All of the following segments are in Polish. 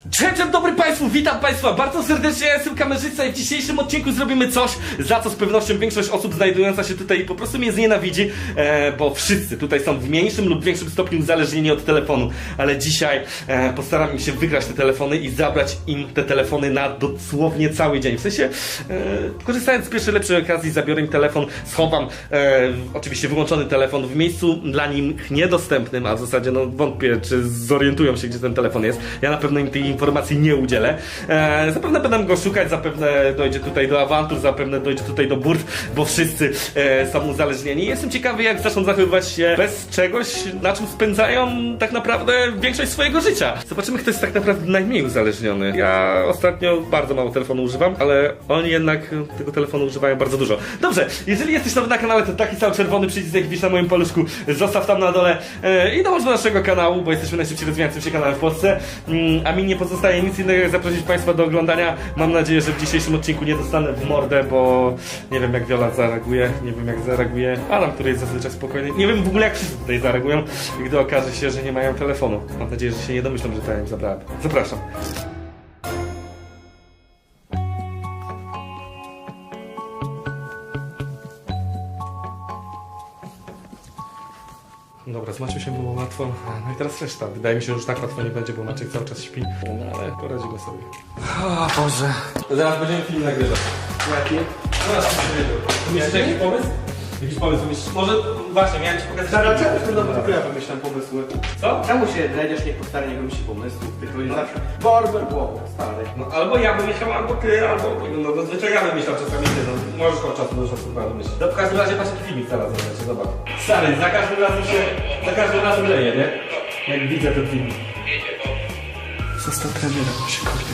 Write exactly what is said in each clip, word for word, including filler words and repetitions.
Dzień dobry Państwu, witam Państwa bardzo serdecznie, ja jestem kamerzysta i w dzisiejszym odcinku zrobimy coś, za co z pewnością większość osób znajdująca się tutaj po prostu mnie znienawidzi, e, bo wszyscy tutaj są w mniejszym lub większym stopniu uzależnieni od telefonu, ale dzisiaj e, postaram się wygrać te telefony i zabrać im te telefony na dosłownie cały dzień. W sensie, e, korzystając z pierwszej lepszej okazji, zabiorę im telefon, schowam e, oczywiście wyłączony telefon w miejscu dla nich niedostępnym, a w zasadzie no wątpię, czy zorientują się, gdzie ten telefon jest. Ja na pewno im tej informacji nie udzielę. E, zapewne będę go szukać, zapewne dojdzie tutaj do awantur, zapewne dojdzie tutaj do burt, bo wszyscy e, są uzależnieni. Jestem ciekawy, jak zaczną zachowywać się bez czegoś, na czym spędzają tak naprawdę większość swojego życia. Zobaczymy, kto jest tak naprawdę najmniej uzależniony. Ja ostatnio bardzo mało telefonu używam, ale oni jednak tego telefonu używają bardzo dużo. Dobrze, jeżeli jesteś nowy na kanale, to taki sam czerwony przycisk, jak widzisz na moim paluszku, zostaw tam na dole e, i dołącz do naszego kanału, bo jesteśmy najszybciej rozwijającym się kanałem w Polsce. Mm, a mi nie pozostaje nic innego, jak zaprosić Państwa do oglądania. Mam nadzieję, że w dzisiejszym odcinku nie dostanę w mordę, bo nie wiem, jak Wiola zareaguje, nie wiem, jak zareaguje Adam, który jest zazwyczaj spokojny. Nie wiem w ogóle, jak wszyscy tutaj zareagują, gdy okaże się, że nie mają telefonu. Mam nadzieję, że się nie domyślą, że to ja im zabrałem. Zapraszam. Dobra, z Maciusiem było łatwo, no i teraz reszta. Wydaje mi się, że już tak łatwo nie będzie, bo Maciek cały czas śpi, no ale poradzimy sobie. O Boże. To zaraz będziemy film nagrywać. Jaki? Zaraz się wiedział. Myślisz jakiś pomysł? Jakiś pomysł myślisz? Może właśnie, miałem ci pokazać... Zaraz, czemu tylko ja wymyślam pomysły? Co? Czemu się drędziesz, nie powstanie, nie wymyśli pomysłów, tylko jest zawsze borber głową, stary. No albo ja wymyślam, albo ty, albo... No zazwyczaj ja wymyślam czasami ty, no możesz od czasu do czasu chyba wymyślić. No w każdym razie patrz jaki filmik teraz zobaczcie, zobacz. Stary, za każdym razem się... za każdym razem leje, nie? Jak widzę ten filmik. Został trenerem, bo się kurde.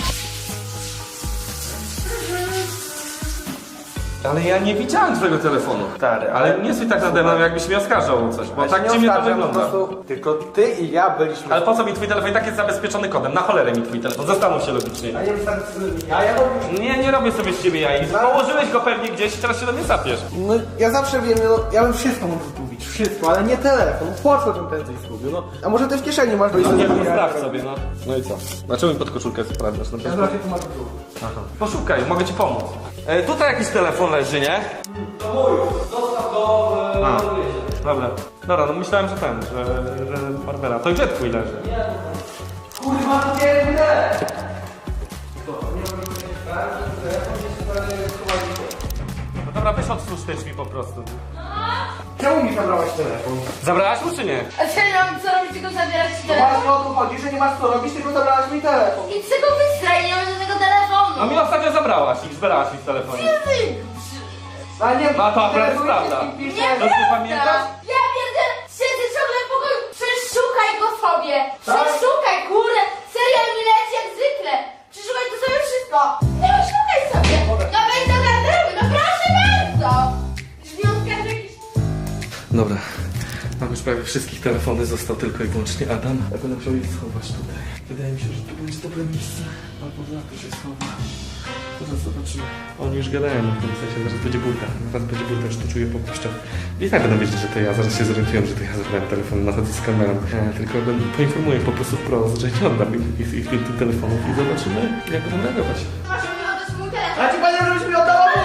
Ale ja nie widziałem twojego telefonu. Stary, ale nie stój tak nade mną, jakbyś mnie oskarżał o coś, bo tak dziwnie to wygląda. Tylko ty i ja byliśmy... Ale po co mi twój telefon? I tak jest zabezpieczony kodem. Na cholerę mi twój telefon. Zastanów się logicznie. A nie wystarczy sobie ja, ja robię... Nie, nie robię sobie z ciebie jaj. Położyłeś go pewnie gdzieś i teraz się do mnie sapiesz. No ja zawsze wiem, no, ja bym wszystko mógł zgubić, wszystko, ale nie telefon. Po co bym prędzej zgubił, no? A może ty w kieszeni masz... No nie wiem, sprawdź sobie, no. No i co? Dlaczego mi pod koszulkę sprawdzasz? No, Ja zobaczę, tu masz tu. aha. Poszukaj, mogę ci pomóc. E, tutaj jakiś telefon leży, nie? To mój, zostaw go... A, dobra. Dobra, no myślałem, że ten, że, że Barbera. To gdzie twój leży? Nie. Kurwa, to pierdolę! Co? Nie mogę powiedzieć tak, że telefon jest prawie schowany. No dobra, weź odstłucz te drzwi po prostu. Czemu mi zabrałaś telefon? Zabrałaś mu czy nie? A co ja mam co robić, tylko zabierać ci No telefon? właśnie o to chodzi, że nie masz co robić, tylko zabrałaś mi telefon. I z tego wystraj, nie mam żadnego telefonu! No mi ostatnio zabrałaś i zbierałaś mi w telefonie. Ty, Ale nie, No to akurat telefon prawda. jest i pisze- nie To ty prawda! pamiętasz? Ja pierdzielę, siedzę ciągle w pokoju, przeszukaj go sobie! Przeszukaj, kurde! Serial mi leci jak zwykle! Przeszukaj to sobie wszystko! Nie szukaj sobie! No wejdź do garderoby, no proszę bardzo! Drzwi otwierasz jakieś... Dobra, mam już prawie wszystkich telefony, został tylko i wyłącznie Adam. Ja będę musiał ich schować tutaj. Wydaje mi się, że tu będzie dobre miejsce. Albo za to się schowa. Zaraz zobaczymy. Oni już gadają w tym sensie, zaraz będzie burda. Zaraz będzie burda, już to czuję po kościach. I tak będą wiedzieć, że to ja, zaraz się zorientują, że to ja zabrałem telefon, nachodzę z kamerą. E, tylko będę, poinformuję po prostu wprost, że nie oddam ich, ich, ich, ich tych telefonów i zobaczymy, jak będą reagować. Masz mi oddać mój telefon! A ci panie, żebyś mi oddała mu!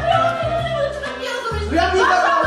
No Ja nie zadałam!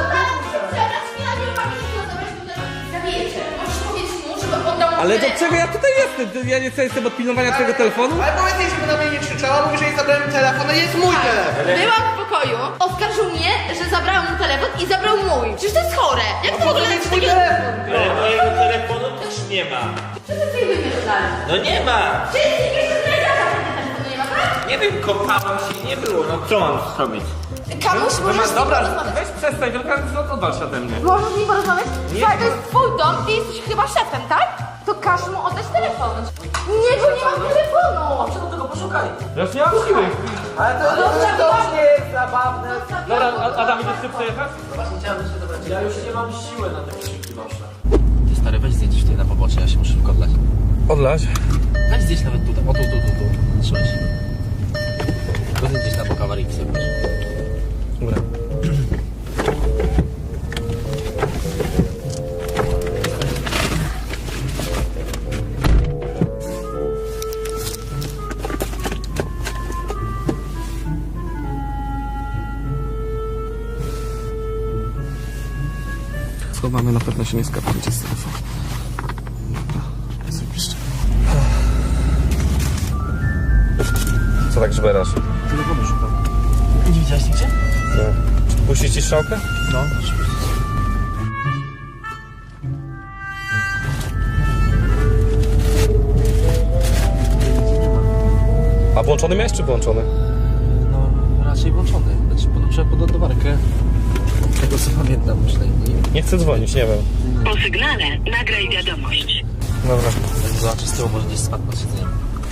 Ale do czego ja tutaj jestem? Ja nie jestem od pilnowania twojego telefonu? Ale powiedz, żeby na mnie nie krzyczała, mówi, że jej zabrałem telefon, no jest mój telefon! Byłam w pokoju, oskarżył mnie, że zabrałam mu telefon i zabrał mój. Przecież to jest chore. Jak to w ogóle jest jest mój takie... telefon! Ale mojego telefonu też nie ma. Co ty sobie wymyślasz? No nie ma. Czy jest jeszcze znajdziaka telefonu nie ma, tak? Nie wiem, kopałem się, nie było. No co mam zrobić? Kamuś, możesz z nim Dobra, porozmawiać? weź przestań, tylko odwal się ode mnie. Możesz z nim porozmawiać? Słuchaj, to jest twój dom, ty jesteś chyba szefem, tak? To każ mu oddać telefon. Nie, bo nie mam telefonu. Czego tego poszukaj? Ja już nie mam siły. Ale to, to, to, to już nie jest zabawne. Dobra, A- Adam, idziesz ty przejechać? Właśnie chciałem się dobrać. Ja już nie mam siły na te krzyki wasze. Ty stary, weź zdjęcie tutaj na pobocze, ja się muszę szybko odlać. Odlać? Weź zdjęć nawet tutaj, o tu, tu, tu, tu. Trzymaj się. Tylko zdjęć na bok awaryjki sobie proszę. Dobra. schowamy, na pewno się nie skapniecie z telefonu. Dobra, zrobisz. Co tak żberasz? Telefonu szukam. Nie widziałeś nigdzie? Nie. Puścić ci strzałkę? No. A włączony miałeś czy włączony? No, raczej włączony. Znaczy, podłączę pod ładowarkę. Tego co pamiętam przynajmniej. Nie chcę dzwonić, nie wiem. Po sygnale nagraj wiadomość. Dobra. Zobaczę z tyłu, może gdzieś spadł na siedzenie.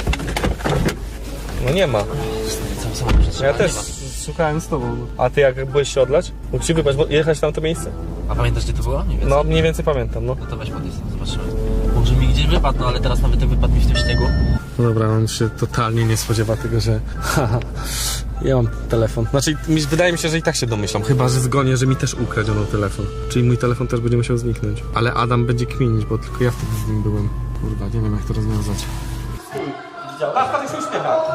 No nie ma. Cały samochód Ja też szukałem z tobą. A ty jak byłeś się odlać? Mógł ci wybrać, bo jechać tam to miejsce? A pamiętasz gdzie to było? Nie wiem. No mniej więcej pamiętam, no. No to weź podjedź, zobaczymy. Może mi gdzieś wypadł, no ale teraz nawet ten wypadł mi w tym śniegu. Dobra, on się totalnie nie spodziewa tego, że haha, ja mam telefon. Znaczy, mi, wydaje mi się, że i tak się domyślam. Chyba, że zgonię, że mi też ukradziono telefon. Czyli mój telefon też będzie musiał zniknąć. Ale Adam będzie kminić, bo tylko ja wtedy z nim byłem. Kurwa, nie wiem jak to rozwiązać. Patrz, patrz, się uśmiecha.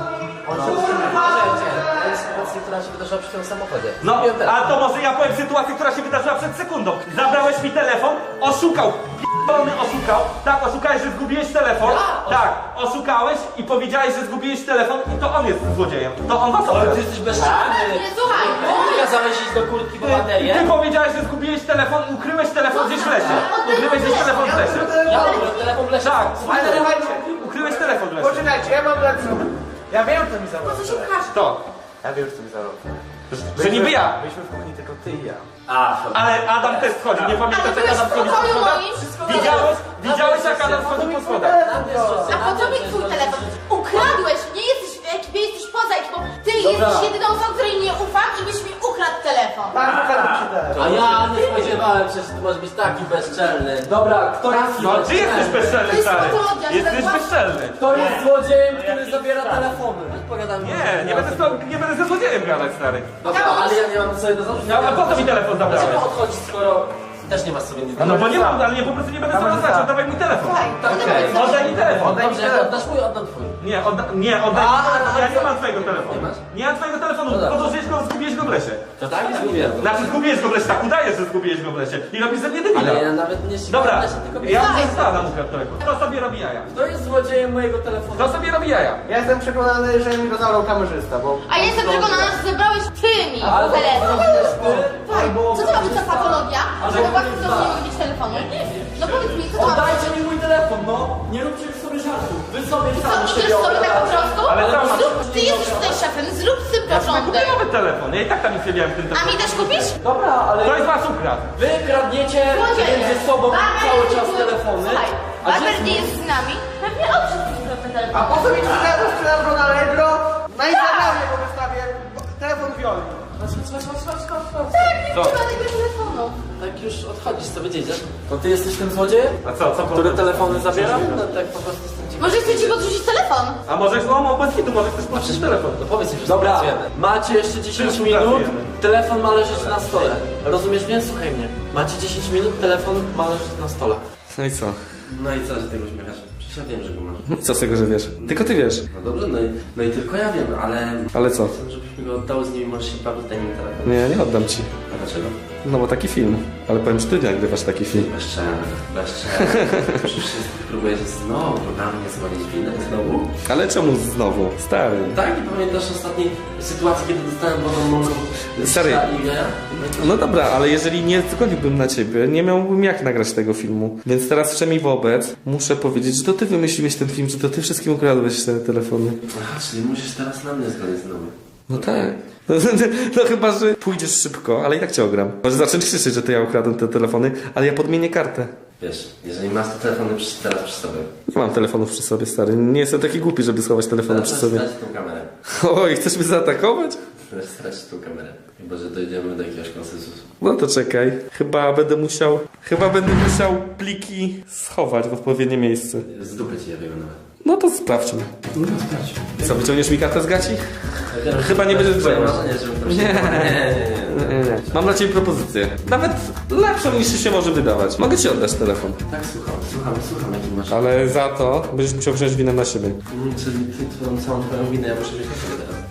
To jest sytuacja, która się wydarzyła przy tym samochodzie. No, a to może ja powiem sytuację, która się wydarzyła przed sekundą. Zabrałeś mi telefon, oszukał. P***dolny oszukał. Tak, oszukałeś, że zgubiłeś telefon. Tak, oszukałeś i powiedziałeś, że zgubiłeś telefon i to on jest złodziejem. To on was Ale okradł. ty jesteś bezczelny. Nie, słuchaj, Ty kazałeś iść do kurtki po Ty baterię. powiedziałeś, że zgubiłeś telefon i ukryłeś telefon gdzieś w lesie. Ukryłeś gdzieś telefon w lesie. Ja ukryłem telefon w lesie. Tak, Ale słuchajcie, ukryłeś telefon w lesie. poczekajcie, ja mam lepszą. Ja wiem, co mi po zarobił. co się każ? To, Ja wiem, co mi zarobił. że niby ja. Byliśmy w kuchni tylko ty i ja. A, Ale Adam też wchodził, nie Ale pamiętasz jak byłeś Adam w wchodził po pokoju schodach? moim? Widziałeś, widziałeś jak Adam wchodził po schodach? A po co mi twój telefon? Ukradłeś, nie jesteś w ekipie, jesteś poza ekipą. Ty Dobra. jesteś jedyną osobą, której nie ufam i byś mi ukradł telefon. Tak, ukradł ci telefon. a ja nie spodziewałem się, że ty możesz być taki bezczelny. Dobra, kto jest No ty jesteś bezczelny, To jest stary. patologia, że Jesteś tak bezczelny. Kto jest złodziejem, który zabiera telefony? Pogadamy. Nie, nie będę, z tobą, nie będę ze złodziejem gadać, stary. Dobra, ale ja nie mam sobie do zarzutu. No, a po co mi telefon zabrałeś? Dlaczego odchodzić, skoro też nie masz sobie nic do No bo nie mam, ale nie, po prostu nie będę sobie oznaczał, oddawaj mi telefon. Słuchaj, Okej. to Oddaj mi telefon. Dobrze, jak oddasz mój, oddam twój. Nie, odda, nie, oddaj mi A, telefon. Ja a, nie mam twojego telefonu. Nie masz? Nie mam twojego telefonu, No dobra. podłożyłeś go, zgubiłeś go w lesie. To tak? Zgubiłem go. Znaczy zgubiłeś go w lesie, tak udajesz, że zgubiłeś go w lesie. I robisz ze mnie debila. Ale ja nawet nie ścigam Dobra, się, tylko ja Słuchaj. muszę Adam ukradł telefon. Kto sobie robi jaja? Kto jest złodziejem mojego telefonu? Kto sobie robi jaja? Ja jestem przekonany, że mi go zabrał kamerzysta, bo... A ja jestem przekonana, że zebrałeś ty mi Albo telefon. Słuchaj, albo co to ma być za patologia? Albo Że chłopaki ktoś to z was. nie mogą mieć telefonu? No powiedz mi, co to ma być? Oddajcie mi mój telefon, no! Nie róbcie sobie żartów. Wy sobie Co, sami idziesz siebie sobie tak po obrażacie. prostu? Ale tam- Zrób, ty jesteś tutaj szefem, zrób z tym Ja sobie kupię porządek. nowy telefon. Ja i tak tam nic nie miałem w tym A mi telefonie. też kupisz? Dobra, ale Kto jest was ukradł? wy kradniecie Złodzieje. między sobą Barber cały nie czas był- telefony. Słuchaj, A gdzie Barber jest nie mój- jest z nami. Pewnie on wszystkim ukradł te A telefony. po co mi ci telefon sprzedał go na Allegro? Na Instagramie go wystawię. Telefon Violi. Chodź, chodź, chodź, chodź, chodź, chodź. Tak, nie Co? trzeba tego telefonu. Tak już odchodzisz, co wiedzieć? To ty jesteś tym złodziejem? A co, co Który telefony zabiera? No tak po prostu jestem ciekaw. Może chcecie podrzucić telefon? A może no, bez hitu, może chcesz puścić telefon. No powiedz mi, że dobra, macie jeszcze dziesięć Wszyscy minut, pracujemy. telefon ma leżeć na stole. Rozumiesz mnie? Słuchaj mnie. Macie dziesięć minut, telefon ma leżeć na stole. No i co? No i co, że tego uśmiechasz? Przecież ja wiem, że go masz. Co z tego, że wiesz? Tylko ty wiesz. No dobrze, no i, no i tylko ja wiem, ale... Ale co? Chcę, żebyś mi go oddał, z nimi możesz się bawić, daj mi telefon. Nie, nie oddam ci. A dlaczego? No bo taki film. Ale powiem, że ty nagrywasz taki film. Bezczelny, bezczelny. Przecież próbujesz znowu na mnie zwalić winę, znowu? Ale czemu znowu? Stary. Tak, i pamiętasz ostatniej sytuacji, kiedy dostałem wodą mąką? Stary. i ja? No dobra, ale jeżeli nie zgodziłbym na ciebie, nie miałbym jak nagrać tego filmu. Więc teraz wszemi wobec muszę powiedzieć, że to ty wymyśliłeś ten film, że to ty wszystkim ukradłeś te telefony. Aha, czyli musisz teraz na mnie zgodzić znowu. No tak. No, no chyba, że pójdziesz szybko, ale i tak cię ogram. Może zacząć krzyczeć, że to ja ukradłem te telefony, ale ja podmienię kartę. Wiesz, jeżeli masz te telefony przy, teraz przy sobie, Nie mam telefonów przy sobie, stary. Nie jestem taki głupi, żeby schować telefony przy sobie. stracić tą kamerę. Oj, chcesz mnie zaatakować? Możesz stracić tą kamerę. Chyba, że dojdziemy do jakiegoś konsensusu. No to czekaj. Chyba będę musiał... Chyba będę musiał pliki schować w odpowiednie miejsce. Z dupy ci ja wiem nawet. No to sprawdźmy. No sprawdź. Co, wyciągniesz mi kartę z gaci? Chyba nie będziesz Twoje drzemał. marzenie, żebym tam się... Nie. Nie, nie, nie. Nie, nie. Mam dla ciebie propozycję. Nawet lepszą niż się może wydawać. Mogę ci oddać telefon. Tak, słucham, słucham, słucham, jaki masz... Ale za to będziesz musiał wziąć winę na siebie. Mm, Czyli ty, twoją całą twoją winę ja muszę wziąć na siebie teraz.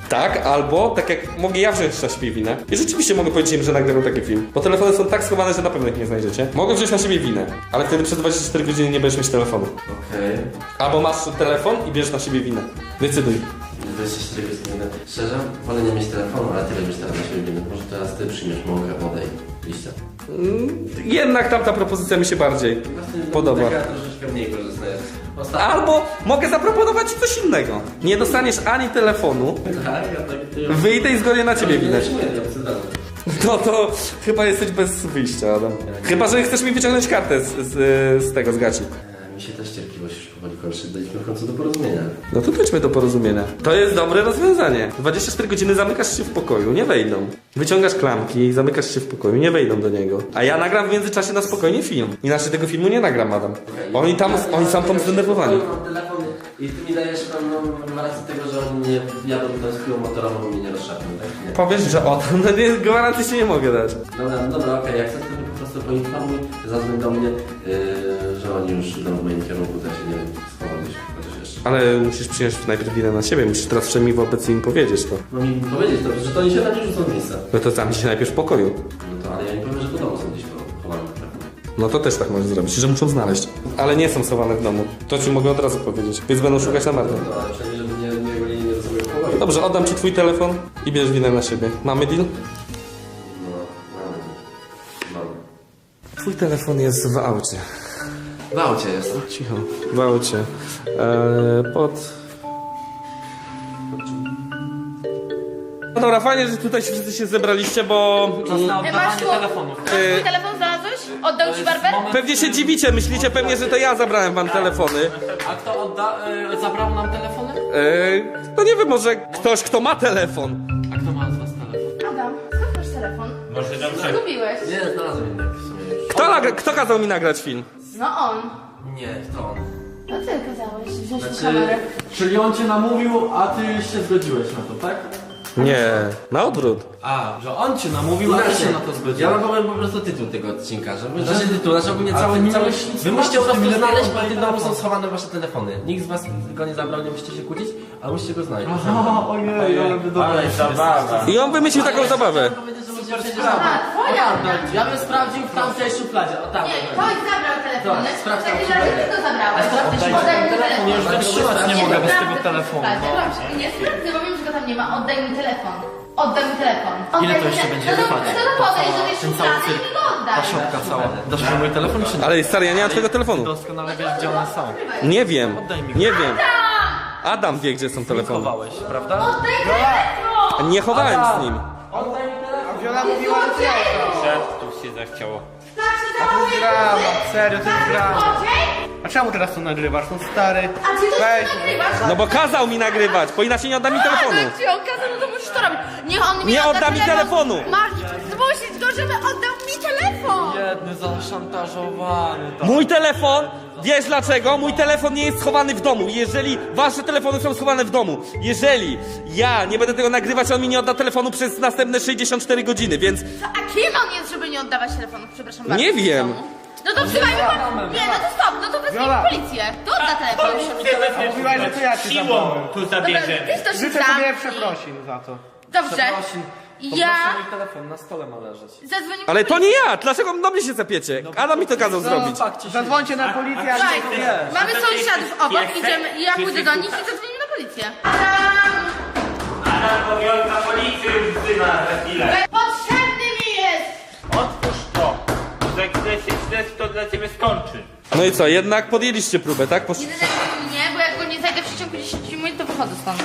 Tak, albo tak jak mogę ja wziąć na siebie winę. I rzeczywiście mogę powiedzieć im, że nagrywam taki film. Bo telefony są tak schowane, że na pewno ich nie znajdziecie. Mogę wziąć na siebie winę, ale wtedy przez dwadzieścia cztery godziny nie będziesz mieć telefonu. Okej. Albo masz telefon i bierzesz na siebie winę. Decyduj. dwadzieścia cztery godziny. Szczerze, wolę nie mieć telefonu, ale ty będziesz teraz na siebie winny. Może teraz ty przyjmiesz mogę wodę i liścia. Mm, jednak tamta propozycja mi się bardziej podoba. Taka troszeczkę mniej korzystna jest. Ostatnio... Albo mogę zaproponować ci coś innego. Nie dostaniesz ani telefonu, Tak, ja tak ty... wyjdę i zgonię na ciebie winę. Nie przyjmuję, ja chcę dalej. No to chyba jesteś bez wyjścia, Adam. Chyba, że chcesz mi wyciągnąć kartę z, z, z tego, z gaci. E, Mi się też cierpliwość już powoli kończy. Dojdźmy w końcu do porozumienia. No to dojdźmy do porozumienia. To jest dobre rozwiązanie. dwadzieścia cztery godziny zamykasz się w pokoju, nie wejdą. Wyciągasz klamki i zamykasz się w pokoju, nie wejdą do niego. A ja nagram w międzyczasie na spokojnie film. Inaczej tego filmu nie nagram, Adam. Oni tam, oni są tam zdenerwowani. Mam telefon i ty mi dajesz pewną rację tego, że oni nie jadą tą skillą motorową i mnie nie rozszapią, tak? Nie. Powiesz, że o, no nie, gwarancji się nie mogę dać. Dobra, dobra, okej, jak chcesz, to mi po prostu poinformuj, zadzwoń do mnie, yy, że oni już idą w moim kierunku, tak się nie schowam gdzieś, chociaż jeszcze. Ale musisz przyjąć najpierw winę na siebie, musisz teraz przynajmniej wobec im powiedzieć to. No mi powiedzieć to, że to oni się na nie rzucą w miejsce. No to tam się najpierw w pokoju. No to, ale ja im powiem, że po domu są gdzieś chowane. No to też tak możesz zrobić, że muszą znaleźć. Ale nie są schowane w domu. To ci mogę od razu powiedzieć. Więc będą szukać na marne. No, ale przynajmniej, żeby nie, nie byli nie do sobie w pokoju. Dobrze, oddam ci twój telefon i bierz winę na siebie. Mamy deal? No, mamy. Mamy. Twój telefon jest w aucie. W aucie jest. Cicho. W aucie. Eee, pod... No dobra, fajnie, że tutaj się wszyscy się zebraliście, bo... Ej, masz tu, masz twój telefon znalazłeś? Oddał ci barber? Pewnie się dziwicie, myślicie pewnie, że to ja zabrałem wam telefony. A kto odda, y, zabrał nam telefony? Eee, no nie wiem, może ktoś, kto ma telefon. A kto ma z was telefon? Adam, skąd masz telefon? Może dobrze. Zgubiłeś. Nie, znalazłem inny w sumie już. Kto, nagra- kto kazał mi nagrać film? No on. Nie, to on. No ty kazałeś wziąć Znaczy- znaczy... kamerę. Czyli on cię namówił, a ty się zgodziłeś na to, tak? Nie, na odwrót. A, że on cię namówił, a ty się na to Ja zgodziłeś. wam powiem po prostu tytuł tego odcinka, żeby... Znaczy tytuł, znaczy ogólnie A cały... ty nie cały miałeś nic wy musicie po zobaczyć, prostu ty mi znaleźć, lepiej bo w tym domu telefon. są schowane wasze telefony. Nikt z was go nie zabrał, nie musicie się kłócić, ale musicie go znaleźć. Aha, ojej, ale wy dobra. Ale zabawa. I on wymyślił taką zabawę. A, twoja. Ja bym sprawdził w tamtej szufladzie, o tam. Nie, ktoś zabrał telefony. Tak, sprawdź W takim tam razie szufladę. ty to zabrałeś. Oddaj Oddaj mi telefon, ja już telefon. wytrzymać nie mogę bez tego sprawdzę telefonu. w szufladzie. Dobrze, nie sprawdzę, bo wiem, że go tam nie ma. Oddaj mi telefon. Oddaj mi telefon. Ile Oddaj to mi jeszcze te- będzie No to, trwać? no to podejdź do tej Ten cały szuflady i cyrk. mi go oddaj. Ta szopka cała. Dasz mi mój telefon czy nie? Ale stary, ja nie mam twojego telefonu. Doskonale wiesz, gdzie one są. Nie wiem, Oddaj mi go. nie wiem. Adam wie, gdzie są telefony. Chowałeś, prawda? Oddaj telefon! Nie chowałem z nim. Wiola mówiła, że Złodzieju! Tu się zachciało. Tak się to zachowuje jest drama, facet? serio, to jest Tak, drama. złodziej? A czemu teraz to nagrywasz? No stary. A ty to Weź. już nagrywasz? No bo kazał mi nagrywać, bo inaczej nie odda mi A, telefonu. no jak ci on kazał, no to musisz to robić. Niech on mi Nie odda odda mi telefonu. Masz zmusić go, żeby oddał mi telefon! Jedny zaszantażowany. To. Mój telefon, wiesz dlaczego? Mój telefon nie jest schowany w domu. Jeżeli wasze telefony są schowane w domu, jeżeli ja nie będę tego nagrywać, on mi nie odda telefonu przez następne sześćdziesiąt cztery godziny, więc Co, a kim on jest, żeby nie oddawać telefonu? Przepraszam bardzo. Nie w wiem. domu? No to wzywajmy pan... Nie, no to stop, no to wezwijmy Wiola. policję. To odda telefon. Mówiłaś, że to ja ci Siłą zabrałem. tu Dobra, zabierzemy. ty to Życzę tam. tobie przeprosin za to. Dobrze. Przeprosin. Ja Poproszę mój telefon, na stole ma leżeć. zadzwonię ale po to nie policję. ja! Dlaczego do mnie się zapiecie? Adam mi to kazał zrobić. Fakt, ci się... Zadzwońcie na policję, a Słuchaj, nie. mamy A to ty sąsiadów jesteś obok, piesek? idziemy, ja Czy pójdę jesteś do nich kucha? i zadzwonimy na policję. Adam! Adam, bo Wiolka policję już wzywa za chwilę. Potrzebny mi jest! Otwórz to. Za chwilę się śledztwo to dla ciebie skończy. No i co, jednak podjęliście próbę, tak? Posz... Nie denerwuj mnie, bo jak go nie znajdę w przeciągu dziesięć minut, to wychodzę stąd.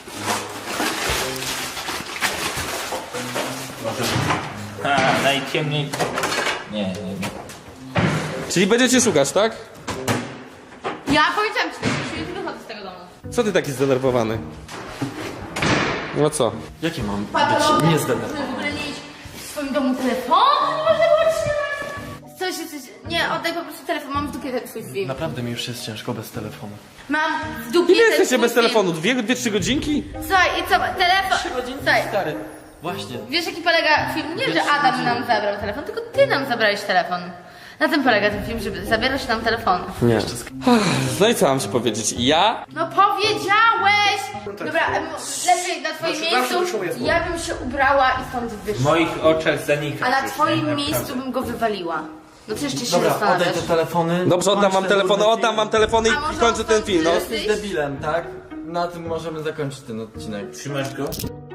Ha, najciemniej. Nie, nie, nie. Czyli będziecie szukać, tak? Ja powiedziałam ci, że już wychodzę z tego domu. Co ty taki zdenerwowany? No co? Jakie mam Patologia, być niezdenerwowany? żeby w ogóle mieć w swoim domu telefon? Nie można było trzymać. Coś, coś, nie, oddaj po prostu telefon, mam w dupie ten twój film. Naprawdę mi już jest ciężko bez telefonu. Mam w dupie Ile ten jesteście twój bez film. telefonu? Dwie, dwie, trzy godzinki? Słuchaj, i co, telefon... Trzy godziny Słuchaj, stary. Właśnie. wiesz jaki polega film? Nie, że Adam nam zabrał telefon, tylko ty nam zabrałeś telefon. Na tym polega ten film, żeby zabierać nam telefon. Nie. No i co mam ci powiedzieć? Ja No powiedziałeś! też. Dobra, em, lepiej na twoim Zawsze- zawsze miejscu wyszło jest ja bym się ubrała i stąd W wyszła. moich oczach zanika. A na twoim miejscu bym go wywaliła. No to jeszcze się Dobra, oddaj zastanawiasz. te telefony. Dobrze, oddam kończ wam ten telefony, durny oddam film. wam telefony A i może kończę ten on film, no. stąd Jesteś debilem, tak? Na tym możemy zakończyć ten odcinek. Trzymasz go?